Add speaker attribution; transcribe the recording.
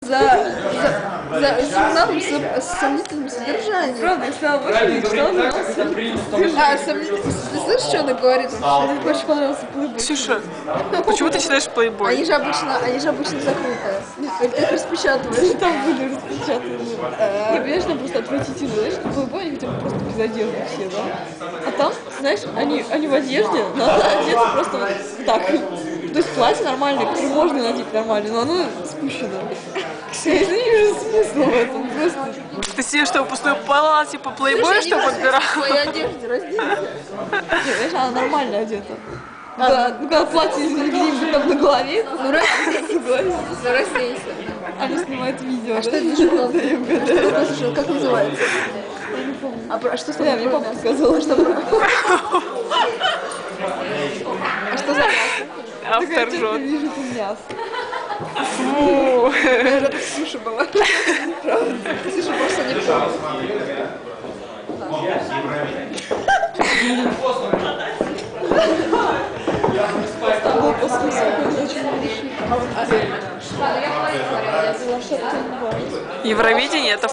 Speaker 1: за журналом с сомнительным содержанием.
Speaker 2: Правда, я сказала, больше не читала, но
Speaker 1: Ты слышишь, что она говорит?
Speaker 2: мне больше понравился Playboy.
Speaker 3: Ксюша, почему ты читаешь Playboy?
Speaker 1: Они же обычно закрытые. Ты их распечатываешь.
Speaker 2: Там были распечатаны. Я, понимаешь, там просто отвратительно. Знаешь, на Playboy они хотя бы просто без одежды все, да? А там, знаешь, они в одежде, но она одета просто вот так. То есть платье нормальное, которое можно надеть нормально, но оно спущено. Я не вижу смысла в этом. Просто...
Speaker 3: Ты себе что, пустое платье по Playboy, что подбирала?
Speaker 1: В своей одежде разденься.
Speaker 2: Нет, знаешь, она нормально одета. Когда платье где-нибудь там на голове,
Speaker 1: Ну разденься.
Speaker 2: она снимает видео.
Speaker 1: А что это за журнал?
Speaker 2: Да, я угадаю.
Speaker 1: Как называется?
Speaker 2: Я не помню.
Speaker 1: А что с
Speaker 2: Да, мне папа сказала, что
Speaker 1: А что за
Speaker 3: Автор
Speaker 2: я
Speaker 3: ржет.
Speaker 2: вижу там мясо.
Speaker 3: Фу.
Speaker 1: это Ксюша была? Правда? Ксюша просто не помнит.
Speaker 2: Там был космос какой-то очень большой.
Speaker 1: Я была, что-то не бывает.
Speaker 3: Евровидение — это